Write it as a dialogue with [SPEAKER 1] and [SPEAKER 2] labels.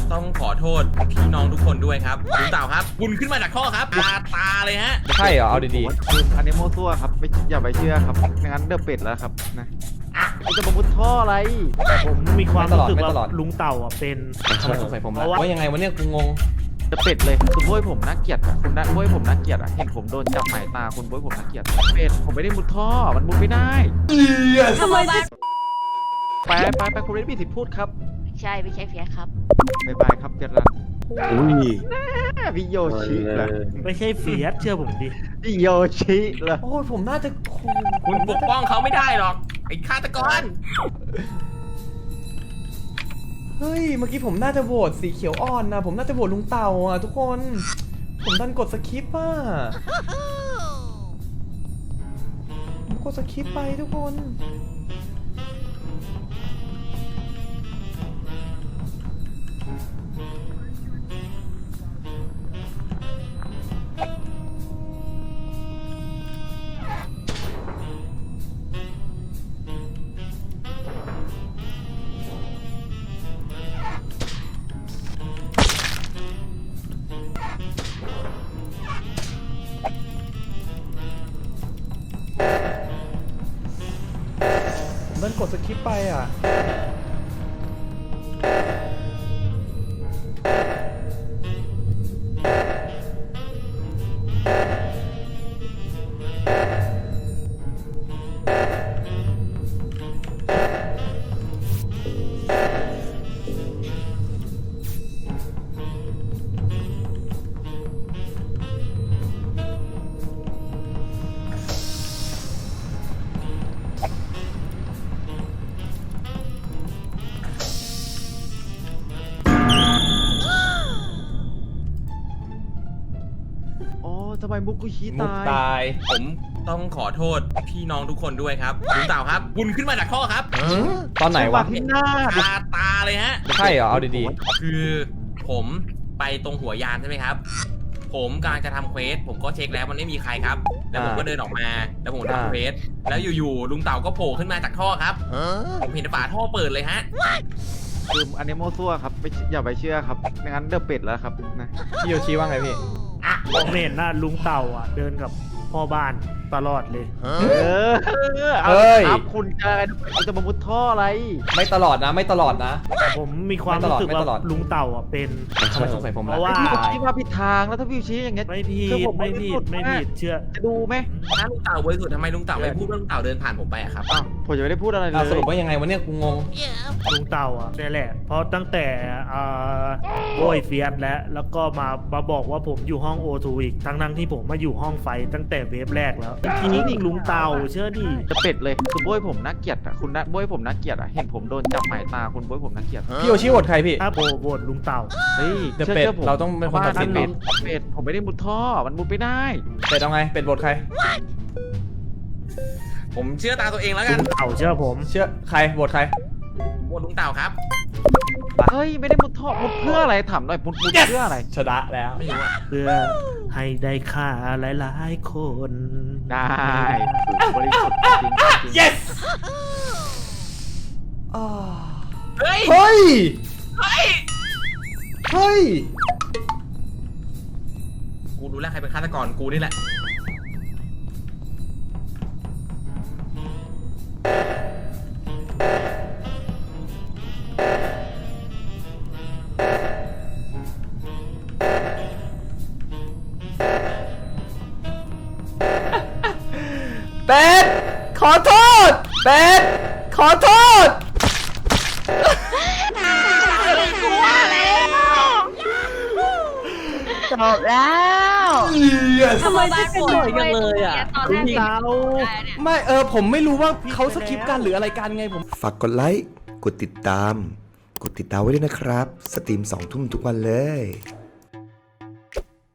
[SPEAKER 1] ต้องขอโทษพี่น้องทุกคนด้วยครับลุงเต่าครับคุณขึ้นมาจากท่อครับตาเลยฮะ
[SPEAKER 2] ใช่เหรอเอาดี
[SPEAKER 3] คืออันนี้โมซั่วครับไม่อย่าไปเชื่อครับไม่งั้นเดือเป็ดแล้วครับนะคุณจะมามุดท่ออะไร
[SPEAKER 4] ผมมีความรู้สึกว่าลุงเต่าอ่ะเป็น
[SPEAKER 2] ๆทำไมสงสัยผมล่ะ
[SPEAKER 4] เพราะว่า
[SPEAKER 2] ว่ายังไงวะเนี่ยกูงง
[SPEAKER 3] เดือเป็ดเลยคุณบ้วยผมน่าเกลียดอะคุณบ้วยผมน่าเกลียดอะเห็นผมโดนจับหมายตาคุณบ้วยผมน่าเกลียดเป็ดผมไม่ได้มุดท่อมันมุดไม่ได้ทำไมไปคุณเรนมีสิทธิ์พูดครับ
[SPEAKER 5] ไม่ใช่เฟียสครับ
[SPEAKER 3] บ๊ายบายครับเฟียสรัน
[SPEAKER 6] อุ้ย
[SPEAKER 3] พี่โยชิเหรอ
[SPEAKER 4] ไม่ใช่เฟียสเชื่อผมดิ
[SPEAKER 3] พี่โยชิเหรอ
[SPEAKER 2] โอ้ยผมน่าจะ
[SPEAKER 1] คุณปกป้องเขาไม่ได้หรอกไอ้ฆาตกร
[SPEAKER 2] เฮ้ยเมื่อกี้ผมน่าจะโหวตสีเขียวอ่อนนะผมน่าจะโหวตลุงเต่าอ่ะทุกคน ผมดันกดสคิปอ่ะผมกดสคิปไปทุกคน ผมดันกดสคิปไปอ่ะ
[SPEAKER 3] โอ้ทำไมมุกุชิ
[SPEAKER 2] มุก
[SPEAKER 3] ตาย
[SPEAKER 2] ตาย
[SPEAKER 1] ผมต้องขอโทษพี่น้องทุกคนด้วยครับลุงเต่าครับคุณขึ้นมาจากท่อครับ
[SPEAKER 2] ตอนไหนวะ
[SPEAKER 3] ที่หน้า
[SPEAKER 1] ตาเลยฮะ
[SPEAKER 2] ใช่เหรอเอาดี
[SPEAKER 1] คือผมไปตรงหัวยานใช่ไหมครับผมกำลังจะทำเควสผมก็เช็คแล้วมันไม่มีใครครับแล้วผมก็เดินออกมาแล้วผมทำเควสแล้วอยู่ๆลุงเต่าก็โผล่ขึ้นมาจากท่อครับผมเห็นฝาท่อเปิดเลยฮะ
[SPEAKER 3] คืออันนี้โมซั่วครับไม่อย่าไปเชื่อครับไม่งั้นเดือเป็ดแล้วครับนะ
[SPEAKER 2] ๆพี่โยชิว่าไงพี่
[SPEAKER 4] ผมเห็นนะลุงเต่าอ่ะเดินกับพ่อบ้านตลอดเลย
[SPEAKER 3] เอาครับคุณจะมามุดท่ออะไร
[SPEAKER 2] ไม่ตลอดนะไม่ตลอดนะ
[SPEAKER 4] ผมมีความรู้สึก
[SPEAKER 2] ไม่ตลอ
[SPEAKER 4] ว่า
[SPEAKER 2] ด
[SPEAKER 4] ลุงเต่าอ่ะเป็น
[SPEAKER 2] ทำไมสงสัยผม
[SPEAKER 4] เพ
[SPEAKER 2] ล่ะ
[SPEAKER 4] ราะว่า
[SPEAKER 3] พี่ชี้มาผิดทางแล้วถ้าพี่ชี้อย่างเงี้ย
[SPEAKER 4] ไม่ผิ
[SPEAKER 3] คือ
[SPEAKER 4] ด
[SPEAKER 3] ผม
[SPEAKER 4] ไม่ผิดไม่ผิดเชื่อ
[SPEAKER 3] จะดูไหม
[SPEAKER 1] ถ้าลุงเต่าบริสุทธิ์ทำไมลุงเต่าไม่พูดว่าลุงเต่าเดินผ่านผมไปอะครับ
[SPEAKER 3] อ้าวผมจะไม่ได้พูดอะไรเล
[SPEAKER 2] อ่ะ
[SPEAKER 3] ย
[SPEAKER 2] สรุปว่ายังไงวะเนี่ยกูงง
[SPEAKER 4] ลุงเต่าอ่ะนี่แหละเพราะตั้งแต่โวยเฟียสแล้วก็มาบอกว่าผมอยู่ห้องโอทูอีกทั้งที่ผมมาอยู่ห้องไฟตั้งแต่เวฟแรกแล้วจริงลุงเต่าเชื่อดิ
[SPEAKER 3] จะเป็ดเลยคือบ้วยผมน่าเกลียดอ่ะคุณบ้วยผมน่าเกลียดอ่ะเห็นผมโดนจับหมายตาคุณบ้วยผมน่าเกลียด
[SPEAKER 2] พี่โยชิโหวตใครพี่
[SPEAKER 4] ถ้าโหวตลุงเต่า
[SPEAKER 3] เฮ้ย
[SPEAKER 2] เดี๋ยวเป็ด
[SPEAKER 3] ผม
[SPEAKER 2] เราต้องเป็นคนตัดสิน
[SPEAKER 3] เป็ดผมไม่ได้มุดท่อมันมุดไม่ได้
[SPEAKER 2] เป็ดเอาไงเป็ดโหวตใคร
[SPEAKER 1] ผมเชื่อตาตัวเองแล้ว
[SPEAKER 4] ลุ
[SPEAKER 1] กัน
[SPEAKER 4] งเต่าเชื่อผม
[SPEAKER 2] เชื่อใครโหวตใคร
[SPEAKER 1] ผมโหวตลุงเต่าครับ
[SPEAKER 3] เฮ้ยไม่ได้มุดท่อมุดเพื่ออะไรถามหน่อยมุดเพื่ออะไร
[SPEAKER 2] ชนะแล้ว
[SPEAKER 1] ไม่รู้อะ
[SPEAKER 4] เพื่อให้ได้ค่าหลายๆคน
[SPEAKER 3] ได้บริสุทธิ์จริง
[SPEAKER 2] yes
[SPEAKER 1] เฮ้ย
[SPEAKER 2] เฮ้ย
[SPEAKER 1] เฮ้ย
[SPEAKER 2] เฮ้ย
[SPEAKER 1] กูรู้แล้วใครเป็นฆาตกรกูนี่แหละ
[SPEAKER 2] เป็ดขอโทษเป็ดขอโทษ
[SPEAKER 5] จบแล้ว
[SPEAKER 7] ทำไมไม่เป็นบ่อยกันเลยอ่ะ
[SPEAKER 5] ตอนแรก
[SPEAKER 4] ลุงเต่า
[SPEAKER 2] ไม่ผมไม่รู้ว่าเขาสคิปกันหรืออะไรกันไงผม
[SPEAKER 6] ฝากกดไลค์ กดติดตาม กดติดตามไว้ด้วยนะครับ สตรีม2 ทุ่มทุกวันเลย